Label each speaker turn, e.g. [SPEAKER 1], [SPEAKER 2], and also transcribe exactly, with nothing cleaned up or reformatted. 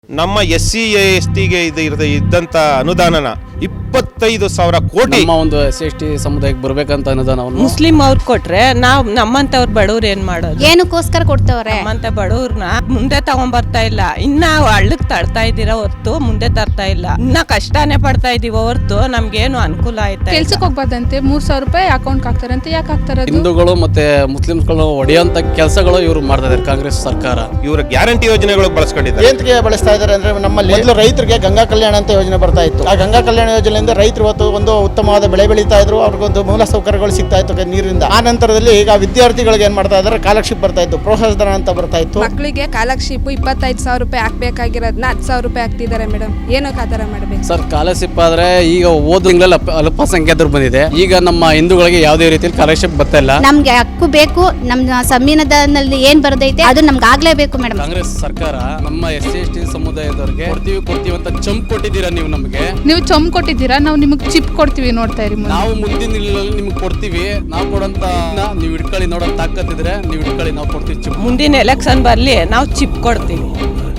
[SPEAKER 1] ನಮ್ಮ S C S ಟಿಗೆ ಇದು ಇರದ ಇದ್ದಂತ ಅನುದಾನನ ಇಪ್ಪತ್ತೈದು ಸಾವಿರ ಕೋಟಿ
[SPEAKER 2] ನಮ್ಮ ಒಂದು ಎಸ್ ಸಿ ಎಸ್ ಟಿ ಸಮುದಾಯಕ್ಕೆ ಬರ್ಬೇಕಂತ ಅನುದಾನವನ್ನು
[SPEAKER 3] ಮುಸ್ಲಿಂ ಅವ್ರು ಕೊಟ್ರೆ ನಾವ್ ನಮ್ಮಂತವ್ರು ಬಡವ್ರು ಏನ್ ಮಾಡೋದು?
[SPEAKER 4] ಏನಕ್ಕೋಸ್ಕರ ಕೊಡ್ತವ್ರೆ?
[SPEAKER 3] ನಮ್ಮಂತ ಬಡವ್ರನ್ನ ಮುಂದೆ ತಗೊಂಡ್ ಬರ್ತಾ ಇಲ್ಲ. ಇನ್ನ ಹಳ್ಳಕ್ ತಡ್ತಾ ಇದ್ದೀರಾ ಹೊರ್ತು ಮುಂದೆ ತರ್ತಾ ಇಲ್ಲ. ಇನ್ನ ಕಷ್ಟನೇ ಪಡ್ತಾ ಇದೀವಿ ಹೊರ್ತು ನಮ್ಗೇನು ಅನುಕೂಲ ಆಯ್ತಾ?
[SPEAKER 5] ಕೆಲ್ಸಕ್ಕೆ ಹೋಗ್ಬಾರ್ದಂತೆ ಮೂರ್ ಸಾವಿರ ರೂಪಾಯಿ ಅಕೌಂಟ್ ಹಾಕ್ತಾರಂತೆ. ಯಾಕೆ ಹಾಕ್ತಾರೆ?
[SPEAKER 2] ಹಿಂದೂಗಳು ಮತ್ತೆ ಮುಸ್ಲಿಮ್ಸ್ಗಳು ಹೊಡೆಯುವಂತ ಕೆಲಸಗಳು ಇವರು ಮಾಡ್ತಾ ಇದ್ದಾರೆ ಕಾಂಗ್ರೆಸ್ ಸರ್ಕಾರ.
[SPEAKER 1] ಇವರ ಗ್ಯಾರಂಟಿ ಯೋಜನೆಗಳು ಬಳಸ್ಕೊಂಡಿದ್ದಾರೆ.
[SPEAKER 6] ಏಂತಕ್ಕೆ ಬಳಸ್ತಾ ಇದ್ದಾರೆ ಅಂದ್ರೆ ನಮ್ಮಲ್ಲಿ ಮೊದಲು ರೈತರಿಗೆ ಗಂಗಾ ಕಲ್ಯಾಣ ಅಂತ ಯೋಜನೆ ಬರ್ತಾ ಇತ್ತು. ಆ ಗಂಗಾ ಕಲ್ಯಾಣ ಯೋಜನೆಯಿಂದ ರೈತರು ಇವತ್ತು ಒಂದು ಉತ್ತಮವಾದ ಬೆಳೆ ಬೆಳೀತಾ ಇದ್ರು, ಅವ್ರಿಗೊಂದು ಮೂಲ ಸೌಕರ್ಯಗಳು ಸಿಗ್ತಾ ಇತ್ತು ನೀರಿಂದ. ಆ ನಂತರದಲ್ಲಿ ಈಗ ವಿದ್ಯಾರ್ಥಿಗಳಿಗೆ ಏನ್ ಮಾಡ್ತಾ ಇದ್ದಾರೆ, ಕಾಲಕ್ಷಿಪ್ ಬರ್ತಾ ಇತ್ತು, ಪ್ರೋತ್ಸಾಹಧನ ಅಂತ ಬರ್ತಾ ಇತ್ತು.
[SPEAKER 7] ಮಕ್ಕಳಿಗೆ ಕಾಲಕ್ಷಿಪ್ ಇಪ್ಪತ್ತೈದು ಸಾವಿರ ರೂಪಾಯಿ ಹಾಕ್ಬೇಕಾಗಿರೋದನ್ನ ಹತ್ತು ಸಾವಿರ ರೂಪಾಯಿ ಹಾಕ್ತಿದ್ದಾರೆ ಮೇಡಮ್. ಏನಕ್ಕೆ ಆ ಥರ ಮಾಡಬೇಕು
[SPEAKER 2] ಸರ್? ಕಾಲರ್ಶಿಪ್ ಆದ್ರೆ ಈಗ ಓದ್ ತಿಂಗಳಲ್ಲಿ ಅಲ್ಪಸಂಖ್ಯಾತರು ಬಂದಿದೆ. ಈಗ ನಮ್ಮ ಹಿಂದೂಗಳಿಗೆ ಯಾವುದೇ ರೀತಿಯಲ್ಲಿ ಕಾಲರ್ಶಿಪ್ ಬರ್ತಾ ಇಲ್ಲ.
[SPEAKER 4] ನಮ್ಗೆ ಹಕ್ಕು ಬೇಕು. ನಮ್ಮ ಸಂವಿಧಾನದಲ್ಲಿ ಏನ್ ಬರದೈತೆ ಅದು ನಮ್ಗೆ ಆಗ್ಲೇಬೇಕು ಮೇಡಮ್.
[SPEAKER 2] ಕಾಂಗ್ರೆಸ್ ಸರ್ಕಾರ ನಮ್ಮ ಎಸ್ ಸಿ ಎಸ್ ಟಿ ಸಮುದಾಯದವರಿಗೆ ಕೊಡ್ತೀವಿ ಕೊಡ್ತೀವಿ ಅಂತ ಚಂಪ್ ಕೊಟ್ಟಿದ್ದೀರಾ ನೀವು ನಮಗೆ.
[SPEAKER 5] ನೀವು ಚೊಂಬ್ ಕೊಟ್ಟಿದ್ದೀರಾ, ನಾವು ನಿಮಗೆ ಚಿಪ್ ಕೊಡ್ತೀವಿ. ನೋಡ್ತಾ ಇರಿ,
[SPEAKER 2] ನಾವು ಮುಂದಿನ ದಿನಗಳಲ್ಲಿ ನಿಮ್ಗೆ ಕೊಡ್ತೀವಿ. ನಾವು ಕೊಡಂತ ನೀವು ಇಟ್ಕೊಳ್ಳಿ, ನೋಡೋ ತಾಕತ್ತಿದ್ರೆ ನೀವು ಇಟ್ಕೊಳ್ಳಿ, ನಾವು ಕೊಡ್ತೀವಿ ಚಿಪ್.
[SPEAKER 3] ಮುಂದಿನ ಎಲೆಕ್ಷನ್ ಬರ್ಲಿ, ನಾವು ಚಿಪ್ ಕೊಡ್ತೀವಿ.